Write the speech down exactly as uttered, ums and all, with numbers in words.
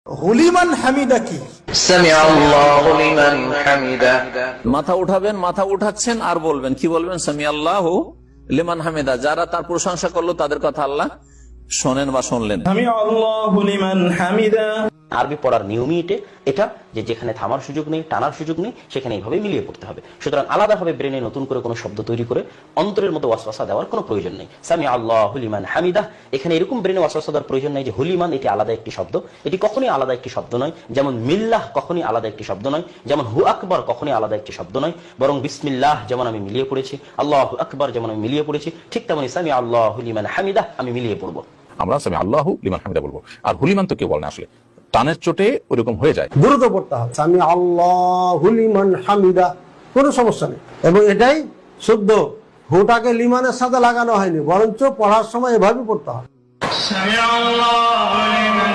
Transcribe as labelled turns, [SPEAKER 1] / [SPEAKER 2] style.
[SPEAKER 1] হুলিমান হামিদা কি?
[SPEAKER 2] সামিআল্লাহু লিমান হামিদা।
[SPEAKER 3] মাথা উঠাবেন, মাথা উঠাচ্ছেন আর বলবেন, কি বলবেন? সামিআল্লাহু লিমান হামিদা। যারা তার প্রশংসা করলো তাদের কথা আল্লাহ শোনেন বা শুনলেন।
[SPEAKER 1] সামিআল্লাহু লিমান হামিদা।
[SPEAKER 4] আরবি পড়ার নিয়মই এটা এটা যে যেখানে থামার সুযোগ নেই, টানার সুযোগ নেই, সেখানে এইভাবে মিলিয়ে পড়তে হবে। সুতরাং আলাদাভাবে ব্রেনে নতুন করে কোনো শব্দ তৈরি করে অন্তরের মতো ওয়াসওয়াসা দেওয়ার কোনো প্রয়োজন নেই। সামিআল্লাহু লিমান হামিদা, এখানে এরকম ব্রেনে ওয়াসওয়াসা দেওয়ার প্রয়োজন নেই যে হুলিমান এটি আলাদা একটি শব্দ। এটি কখনই আলাদা একটি শব্দ নয়। যেমন মিল্লাহ কখনই আলাদা একটি শব্দ নয়, যেমন হু আকবার কখনই আলাদা একটি শব্দ নয়, বরং বিসমিল্লাহ যেমন আমি মিলিয়ে পড়েছি, আল্লাহু আকবার যেমন আমি মিলিয়ে পড়েছি, ঠিক তেমনি সামিআল্লাহু লিমান হামিদা আমি মিলিয়ে পড়বো।
[SPEAKER 5] আমরা সামিআল্লাহু লিমান হামিদা বলবো। আর হুলিমান তো কেউ বলে না, আসলে টানের চোটে ওরকম হয়ে যায়।
[SPEAKER 6] দ্রুত পড়তে হবে সামিআল্লাহু লিমান হামিদা, কোনো সমস্যা নেই। এবং এটাই শুদ্ধ, হুটাকে লিমানের সাথে লাগানো হয়নি, বরঞ্চ পড়ার সময় এভাবে পড়তে হবে।
[SPEAKER 1] সামিআল্লাহু লিমান